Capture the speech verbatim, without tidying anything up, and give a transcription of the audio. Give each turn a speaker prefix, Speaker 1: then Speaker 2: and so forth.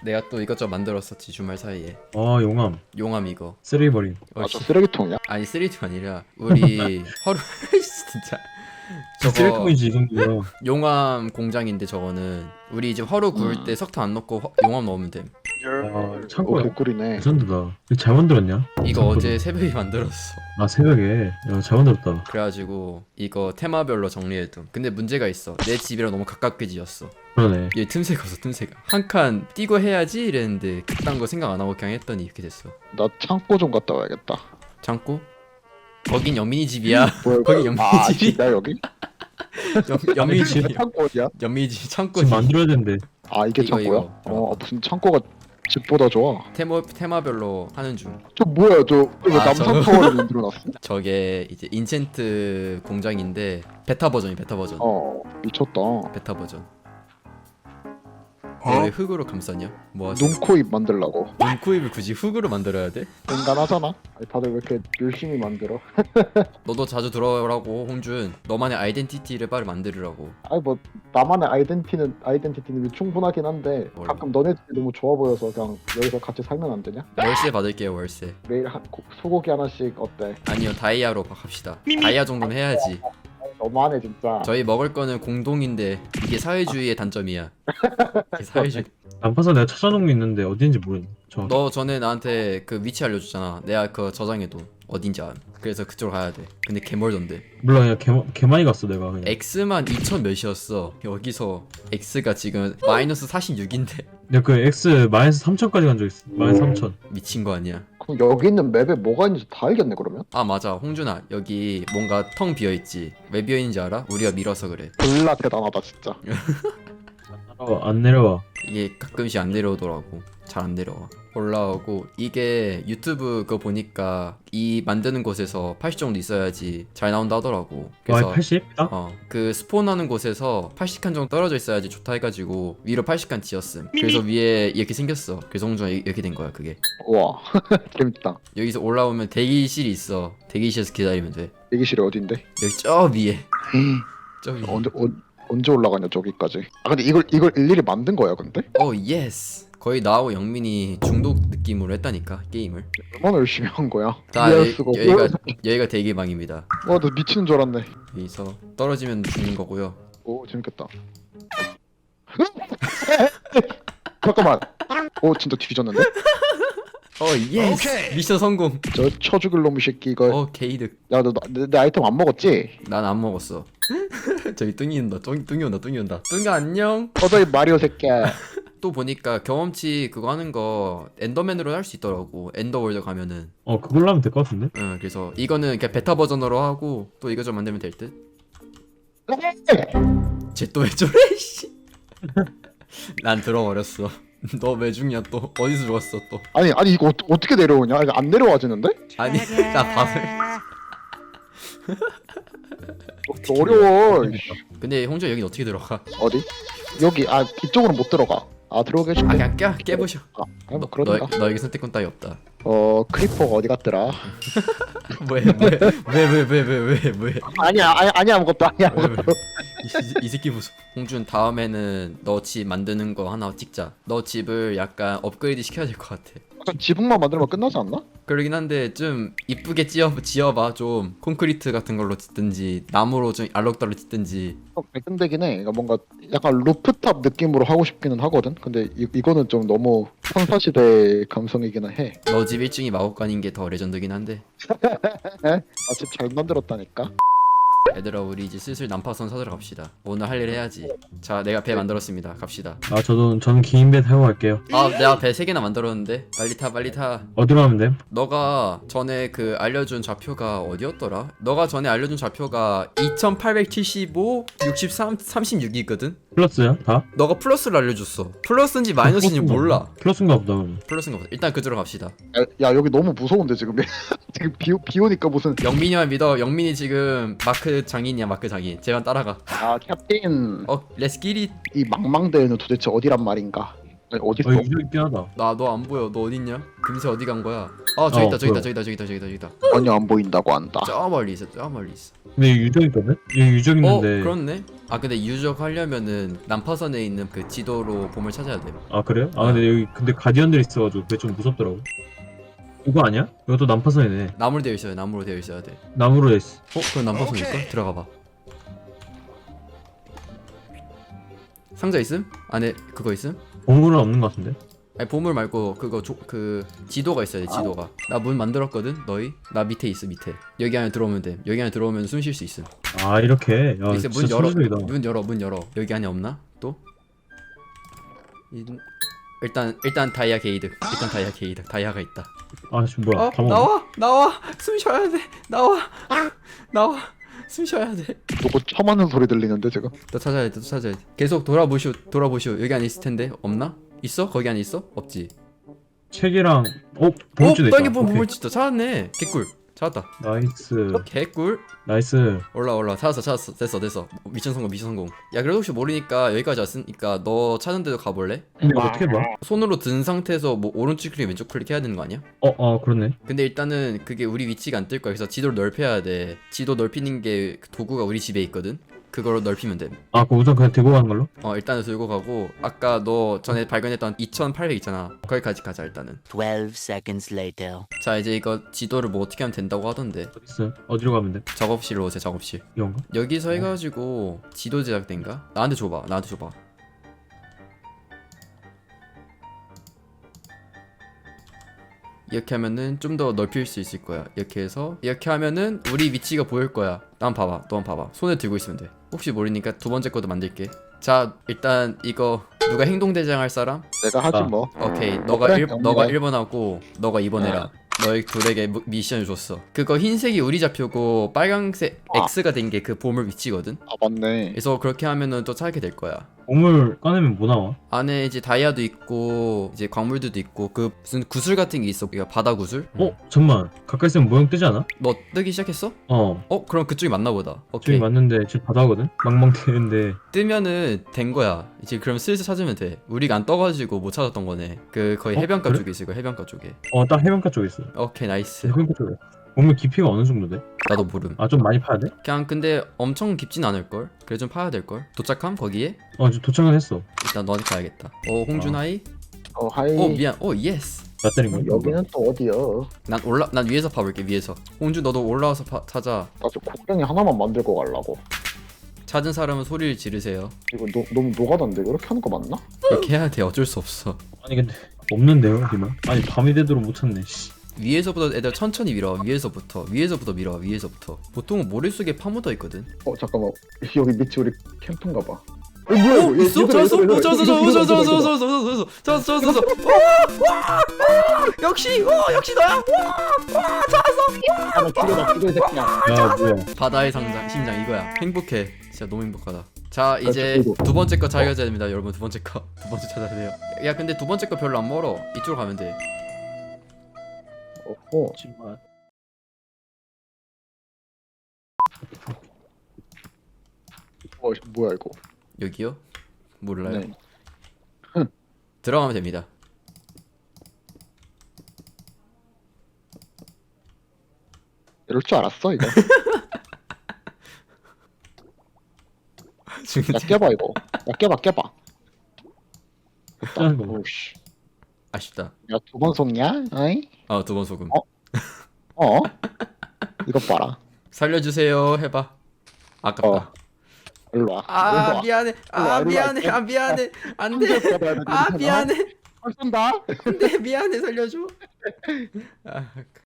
Speaker 1: 내가 또 이것저것 만들었었지 주말 사이에.
Speaker 2: 아 용암
Speaker 1: 용암 이거.
Speaker 2: 쓰레기 버림.
Speaker 1: 어,
Speaker 3: 아, 저
Speaker 1: 씨.
Speaker 3: 쓰레기통이야?
Speaker 1: 아니 쓰리디가 아니라 우리 허루 진짜 저거
Speaker 2: 쓰레기통이지 이 정도면.
Speaker 1: 용암 공장인데 저거는 우리 이제 허루 구울 때 석탄 안 넣고 허- 용암 넣으면 됨.
Speaker 2: 아
Speaker 3: 오,
Speaker 2: 창고야.
Speaker 3: 개꿀이네.
Speaker 2: 레전드다. 이거 잘 만들었냐?
Speaker 1: 이거
Speaker 2: 창고도.
Speaker 1: 어제 새벽에 만들었어.
Speaker 2: 아 새벽에. 야잘 만들었다.
Speaker 1: 그래가지고 이거 테마별로 정리해둠. 근데 문제가 있어. 내 집이랑 너무 가깝게 지었어.
Speaker 2: 그러네.
Speaker 1: 얘 틈새가 없어 틈새가. 한 칸 띄고 해야지 이랬는데 그딴 거 생각 안 하고 그냥 했더니 이렇게 됐어.
Speaker 3: 나 창고 좀 갔다 와야겠다.
Speaker 1: 창고? 거긴 연민이 집이야.
Speaker 3: 뭐야,
Speaker 1: 거기
Speaker 3: 이거?
Speaker 1: 연민이
Speaker 3: 아,
Speaker 1: 집이.
Speaker 3: 진짜 여기?
Speaker 1: 연, 연민이
Speaker 2: 집.
Speaker 1: 집이.
Speaker 3: 창고 어디야?
Speaker 1: 연민이 집 창고.
Speaker 2: 지금 만들어야 되는데.
Speaker 3: 아, 이게
Speaker 1: 이거,
Speaker 3: 창고야?
Speaker 1: 이거.
Speaker 3: 어, 아, 무슨 창고가 집보다 좋아.
Speaker 1: 테마 테마별로 하는 중.
Speaker 3: 저 뭐야, 저왜
Speaker 1: 아,
Speaker 3: 남산
Speaker 1: 저거.
Speaker 3: 타워를 만들어놨어?
Speaker 1: 저게 이제 인챈트 공장인데 베타 버전이 베타 버전.
Speaker 3: 어, 미쳤다.
Speaker 1: 베타 버전.
Speaker 3: 어?
Speaker 1: 왜 흙으로 감쌌냐? 뭐 하지?
Speaker 3: 눈코입 만들라고.
Speaker 1: 눈코입을 굳이 흙으로 만들어야 돼?
Speaker 3: 인간하잖아. 아니, 다들 왜 이렇게 열심히 만들어?
Speaker 1: 너도 자주 들어오라고 홍준. 너만의 아이덴티티를 빨리 만들으라고.
Speaker 3: 아니 뭐 나만의 아이덴티는 아이덴티티는 충분하긴 한데
Speaker 1: 몰라.
Speaker 3: 가끔 너네 집이 너무 좋아 보여서 그냥 여기서 같이 살면 안 되냐?
Speaker 1: 월세 받을게요 월세.
Speaker 3: 매일 한 고- 소고기 하나씩 어때?
Speaker 1: 아니요 다이아로 합시다. 다이아 정도는 해야지.
Speaker 3: 너무하네 진짜.
Speaker 1: 저희 먹을 거는 공동인데 이게 사회주의의 단점이야. 이게 사회주의.
Speaker 2: 난파선 내가 찾아놓은 게 있는데 어딘지 모르겠네. 저.
Speaker 1: 너 전에 나한테 그 위치 알려줬잖아. 내가 그거 저장해도 어딘지 알. 그래서 그쪽으로 가야 돼. 근데 개멀던데.
Speaker 2: 몰라 그냥 개, 개 많이 갔어 내가 그냥.
Speaker 1: X만 이천 몇이었어. 여기서 X가 지금 마이너스 사십육인데
Speaker 2: 내가 그 X 마이너스 삼천까지 간 적 있어. 마이너스 삼천.
Speaker 1: 미친 거 아니야?
Speaker 3: 그럼 여기 있는 맵에 뭐가 있는지 다 알겠네 그러면?
Speaker 1: 아 맞아 홍준아 여기 뭔가 텅 비어있지. 왜 비어있는지 알아? 우리가 밀어서 그래.
Speaker 3: 졸라 대단하다 진짜.
Speaker 2: 어, 안 내려와.
Speaker 1: 이게 가끔씩 안 내려오더라고. 잘 안 내려와. 올라오고 이게 유튜브 그거 보니까 이 만드는 곳에서 팔십 정도 있어야지 잘 나온다 하더라고.
Speaker 2: 와 팔십? 딱?
Speaker 1: 어, 그 스폰하는 곳에서 팔십 칸 정도 떨어져 있어야지 좋다 해가지고 위로 팔십 칸 지었음. 그래서 위에 이렇게 생겼어. 그래서 홍준아 이- 이렇게 된 거야 그게.
Speaker 3: 와 재밌다.
Speaker 1: 여기서 올라오면 대기실이 있어. 대기실에서 기다리면 돼.
Speaker 3: 대기실이 어딘데?
Speaker 1: 여기 저 위에.
Speaker 3: 음,
Speaker 1: 저 위에.
Speaker 3: 언제 언, 언제 올라가냐 저기까지? 아 근데 이걸 이걸 일일이 만든 거야 근데?
Speaker 1: 오 예스. 거의 나하고 영민이 중독 느낌으로 했다니까 게임을.
Speaker 3: 얼마나 열심히 한 거야?
Speaker 1: 자
Speaker 3: 이해할
Speaker 1: 여,
Speaker 3: 수가 없어.
Speaker 1: 여기가 여기가 대기방입니다.
Speaker 3: 와나 미치는 줄 알았네.
Speaker 1: 여기서 떨어지면 죽는 거고요.
Speaker 3: 오 재밌겠다. 잠깐만. 오 진짜 뒤졌는데?
Speaker 1: 어 예스. 미션 성공.
Speaker 3: 저 쳐죽을 놈의 새끼 이거.
Speaker 1: 어 게이득.
Speaker 3: 야너 내, 내 아이템 안 먹었지?
Speaker 1: 난 안 먹었어. 저기 뚱이 온다. 뚱, 뚱이 온다. 뚱이 온다. 뚱이 안녕.
Speaker 3: 꺼져 이 마리오 새끼야.
Speaker 1: 또 보니까 경험치 그거 하는 거 엔더맨으로 할 수 있더라고. 엔더월드 가면은.
Speaker 2: 어 그걸로 하면 될 것 같은데?
Speaker 1: 응, 그래서 이거는 그냥 베타 버전으로 하고 또 이거 좀 만들면 될 듯. 쟤 또 왜 저래? 씨. 난 들어버렸어. 너 왜 죽냐 또? 어디서 죽었어 또?
Speaker 3: 아니 아니 이거 어, 어떻게 내려오냐? 이거 안 내려와지는데?
Speaker 1: 아니 나 밥을.
Speaker 3: 어, 어려워.
Speaker 1: 근데 홍조 여긴 어떻게 들어가?
Speaker 3: 어디? 여기 아 이쪽으로 못 들어가. 아 들어오게
Speaker 1: 아
Speaker 3: 해줄게.
Speaker 1: 그냥 깨 깨부셔.
Speaker 3: 아, 아니, 뭐
Speaker 1: 너,
Speaker 3: 그러던가.
Speaker 1: 너, 너에게 선택권 따위 없다.
Speaker 3: 어 크리퍼가 어디 갔더라?
Speaker 1: 왜왜왜왜왜왜 왜?
Speaker 3: 아니야 아니 아니 아무것도 아니야.
Speaker 1: 왜, 왜?
Speaker 3: 아무것도.
Speaker 1: 이, 이, 이 새끼 무슨? 홍준 다음에는 너 집 만드는 거 하나 찍자. 너 집을 약간 업그레이드 시켜야 될 것 같아.
Speaker 3: 약간 지붕만 만들면 끝나지 않나?
Speaker 1: 그러긴 한데 좀 이쁘게 지어 지어봐 좀 콘크리트 같은 걸로 짓든지 나무로 좀 알록달록 짓든지.
Speaker 3: 어, 발전되긴 해. 그러니까 뭔가 약간 루프탑 느낌으로 하고 싶기는 하거든. 근데 이, 이거는 좀 너무 선사시대 감성이기는 해.
Speaker 1: 너 집 일 층이 마법관인 게 더 레전드긴 한데.
Speaker 3: 아집 잘 만들었다니까.
Speaker 1: 얘들아 우리 이제 슬슬 난파선 사들어 갑시다. 오늘 할 일 해야지. 자 내가 배 만들었습니다. 갑시다.
Speaker 2: 아 저도 저는 긴 배 타고 갈게요.
Speaker 1: 아 내가 배 세 개나 만들었는데 빨리 타 빨리 타.
Speaker 2: 어디로 하면 돼?
Speaker 1: 너가 전에 그 알려준 좌표가 어디였더라? 너가 전에 알려준 좌표가 이천팔백칠십오, 육십삼, 삼십육이거든?
Speaker 2: 플러스야? 다?
Speaker 1: 너가 플러스를 알려줬어. 플러스인지 마이너스인지 몰라.
Speaker 2: 플러스인가 보다 그러면.
Speaker 1: 플러스인가 보다. 일단 그쪽으로 갑시다.
Speaker 3: 야, 야 여기 너무 무서운데 지금. 지금 비, 비 오니까 무슨.
Speaker 1: 영민이만 믿어. 영민이 지금 마크 장인이야 마크 장인. 제발 따라가.
Speaker 3: 아 캡틴.
Speaker 1: 어 렛츠 기릿.
Speaker 3: 이 망망대해는 도대체 어디란 말인가? 아니, 어디 있어?
Speaker 2: 어 유저 있긴 하다.
Speaker 1: 나 너 안 보여. 너 어딨냐? 금세 어디 간 거야? 아 저기
Speaker 2: 어,
Speaker 1: 있다 저기 있다
Speaker 2: 보여.
Speaker 1: 저기 있다 저기 있다 저기 있다 저기 있다.
Speaker 3: 전혀 안 보인다고 한다.
Speaker 1: 저 멀리 있어 저 멀리 있어.
Speaker 2: 근데 여기 유저 있거든? 여기 유저
Speaker 1: 어
Speaker 2: 있는데.
Speaker 1: 그렇네. 아 근데 유적 하려면은 난파선에 있는 그 지도로 봄을 찾아야 돼.
Speaker 2: 아 그래요? 아 근데 여기 근데 가디언들 있어가지고 그게 좀 무섭더라고. 이거 아니야? 이것도 난파선이네.
Speaker 1: 나무로 되어 있어요. 나무로 되어 있어야 돼.
Speaker 2: 나무로 했어.
Speaker 1: 어 그건 난파선일까? 들어가 봐. 상자 있음? 안에 그거 있음?
Speaker 2: 보물은 없는 것 같은데?
Speaker 1: 아니 보물 말고 그거 조, 그 지도가 있어야 돼 지도가. 나 문 만들었거든 너희. 나 밑에 있어 밑에. 여기 안에 들어오면 돼. 여기 안에 들어오면 숨 쉴 수 있음.
Speaker 2: 아 이렇게. 야
Speaker 1: 이제
Speaker 2: 진짜
Speaker 1: 문 열어.
Speaker 2: 소리적이다.
Speaker 1: 문 열어 문 열어. 여기 안에 없나? 또? 이- 일단 일단 다이아 게이드. 일단 다이아 게이드. 다이아가 있다.
Speaker 2: 아 지금 뭐야?
Speaker 1: 어
Speaker 2: 다 먹어.
Speaker 1: 나와 나와 숨 쉬어야 돼. 나와 나와 숨 쉬어야 돼.
Speaker 3: 누구 처맞는 소리 들리는데 지금?
Speaker 1: 또 찾아야 돼. 또 찾아야 돼. 계속 돌아보시오 돌아보시오. 여기 안에 있을 텐데 없나? 있어? 거기 안에 있어? 없지.
Speaker 2: 책이랑 어
Speaker 1: 오
Speaker 2: 보물지도 있다.
Speaker 1: 땅에 보면
Speaker 2: 오케이.
Speaker 1: 보물지도 찾았네. 개꿀 찾았다.
Speaker 2: 나이스.
Speaker 1: 개꿀.
Speaker 2: 나이스.
Speaker 1: 올라 올라 찾았어 찾았어 됐어 됐어. 미션 성공 미션 성공. 야 그래도 혹시 모르니까 여기까지 왔으니까 너 찾은 데도 가볼래?
Speaker 2: 근데 이거 어떻게 봐?
Speaker 1: 손으로 든 상태에서 뭐 오른쪽 클릭 왼쪽 클릭 해야 되는 거 아니야?
Speaker 2: 어, 어 그렇네.
Speaker 1: 근데 일단은 그게 우리 위치가 안 뜰 거야. 그래서 지도를 넓혀야 돼. 지도 넓히는 게 도구가 우리 집에 있거든. 그걸로 넓히면 돼.
Speaker 2: 아, 그 우선 그냥 들고 가는 걸로?
Speaker 1: 어 일단은 들고 가고 아까 너 전에 발견했던 이천팔백 있잖아. 거기까지 가자 일단은.
Speaker 4: twelve seconds later.
Speaker 1: 자 이제 이거 지도를 뭐 어떻게 하면 된다고 하던데.
Speaker 2: 어디 있어? 어디로 가면 돼?
Speaker 1: 작업실로 오세요 작업실.
Speaker 2: 이건가?
Speaker 1: 여기서 해가지고 지도 제작된가? 나한테 줘봐 나한테 줘봐. 이렇게 하면은 좀 더 넓힐 수 있을 거야. 이렇게 해서 이렇게 하면은 우리 위치가 보일 거야. 난 봐봐 너 한번 봐봐. 손에 들고 있으면 돼. 혹시 모르니까 두 번째 것도 만들게. 자 일단 이거 누가 행동대장 할 사람?
Speaker 3: 내가 하지
Speaker 2: 아.
Speaker 3: 뭐.
Speaker 1: 오케이 너가
Speaker 3: 그래,
Speaker 1: 일
Speaker 3: 영광.
Speaker 1: 너가 일 번 하고 너가 이 번 해라. 너희 둘에게 무- 미션을 줬어. 그거 흰색이 우리 좌표고 빨강색
Speaker 3: 아.
Speaker 1: X가 된 게 그 보물 위치거든.
Speaker 3: 아 맞네.
Speaker 1: 그래서 그렇게 하면은 또 찾게 될 거야.
Speaker 2: 보물 꺼내면 뭐 나와?
Speaker 1: 안에 이제 다이아도 있고 이제 광물들도 있고 그 무슨 구슬 같은 게 있어. 이거 바다 구슬.
Speaker 2: 어? 잠만. 가까이 있으면 모형 뜨지 않아?
Speaker 1: 너 뜨기 시작했어?
Speaker 2: 어.
Speaker 1: 어 그럼 그쪽이 맞나 보다.
Speaker 2: 저기
Speaker 1: 오케이.
Speaker 2: 맞는데 지금 바다거든? 망망 뜨는데.
Speaker 1: 뜨면은 된 거야. 이제 그럼 슬슬 찾으면 돼. 우리가 안 떠가지고 못 찾았던 거네. 그 거의
Speaker 2: 어?
Speaker 1: 해변가
Speaker 2: 그래?
Speaker 1: 쪽에 있을 거야. 해변가 쪽에.
Speaker 2: 어, 딱 해변가 쪽에 있어.
Speaker 1: 오케이 나이스.
Speaker 2: 해변가 쪽에. 보물 깊이가 어느 정도 돼?
Speaker 1: 나도 모름.
Speaker 2: 아, 좀 많이 파야 돼?
Speaker 1: 그냥 근데 엄청 깊진 않을 걸. 그래 좀 파야 될 걸. 도착함 거기에.
Speaker 2: 어, 지금 도착은 했어.
Speaker 1: 일단 너한테 가야겠다. 어 홍준하이.
Speaker 3: 어 하이.
Speaker 1: 어 미안. 어 예스.
Speaker 2: 나 때린 거야?
Speaker 3: 여기는 또 어디야?
Speaker 1: 난 올라 난 위에서 파볼게 위에서. 홍준 너도 올라와서 파, 찾아.
Speaker 3: 나저 곡괭이 하나만 만들고 가려고.
Speaker 1: 찾은 사람은 소리를 지르세요.
Speaker 3: 이거 노, 너무 노가다인데 그렇게 하는 거 맞나?
Speaker 1: 그렇게 해야 돼. 어쩔 수 없어.
Speaker 2: 아니, 근데 없는데요, 여기만? 아니, 밤이 되도록 못 찾네, 씨.
Speaker 1: 위에서부터 애들 천천히 밀어. 위에서부터 위에서부터 밀어. 위에서부터. 보통은 모래 속에 파묻어 있거든.
Speaker 3: 어 잠깐만. 여기 밑이 우리 캠프인가 봐. 어 뭐야
Speaker 1: 어
Speaker 3: 이거?
Speaker 1: 있어?
Speaker 3: 얘들아,
Speaker 1: 찾았어?
Speaker 3: 얘들아,
Speaker 1: 어 찾았어?
Speaker 3: 얘들아,
Speaker 1: 찾았어?
Speaker 3: 얘들아,
Speaker 1: 찾았어?
Speaker 3: 얘들아.
Speaker 1: 찾았어? 찾았어? 찾았어? 찾았어? 와와와 역시 어 역시 너야. 와와 찾았어.
Speaker 3: 아, 나 죽여라 죽여 이 새끼야.
Speaker 2: 야, 뭐야.
Speaker 1: 바다의 상장 심장 이거야. 행복해. 진짜 너무 행복하다. 자 이제
Speaker 3: 그렇죠.
Speaker 1: 두 번째 거 찾아야 됩니다 여러분. 두 번째 거 두 번째 찾아야 돼요. 야 근데 두 번째 거 별로 안 멀어. 이쪽으로 가면 돼.
Speaker 3: 어.
Speaker 2: 정말.
Speaker 3: 어 뭐야 이거?
Speaker 1: 여기요? 몰라요.
Speaker 3: 네.
Speaker 1: 들어가면 됩니다.
Speaker 3: 이럴 줄 알았어 이거. 야 깨봐 이거. 야 깨봐 깨봐.
Speaker 2: 짜는 거.
Speaker 3: 오씨.
Speaker 1: 아쉽다.
Speaker 3: 야 두 번 속냐? 어이?
Speaker 1: 아 두 번 소금.
Speaker 3: 어? 어? 이거 봐라.
Speaker 1: 살려주세요 해봐. 아깝다.
Speaker 3: 어. 일로 와.
Speaker 1: 아
Speaker 3: 일로 와.
Speaker 1: 미안해.
Speaker 3: 일로 와,
Speaker 1: 아
Speaker 3: 일로 와.
Speaker 1: 미안해. 아 미안해. 안돼.
Speaker 3: 손잡고 가야 돼,
Speaker 1: 아
Speaker 3: 괜찮아?
Speaker 1: 미안해.
Speaker 3: 안 쏜다.
Speaker 1: 안돼 미안해 살려줘. 아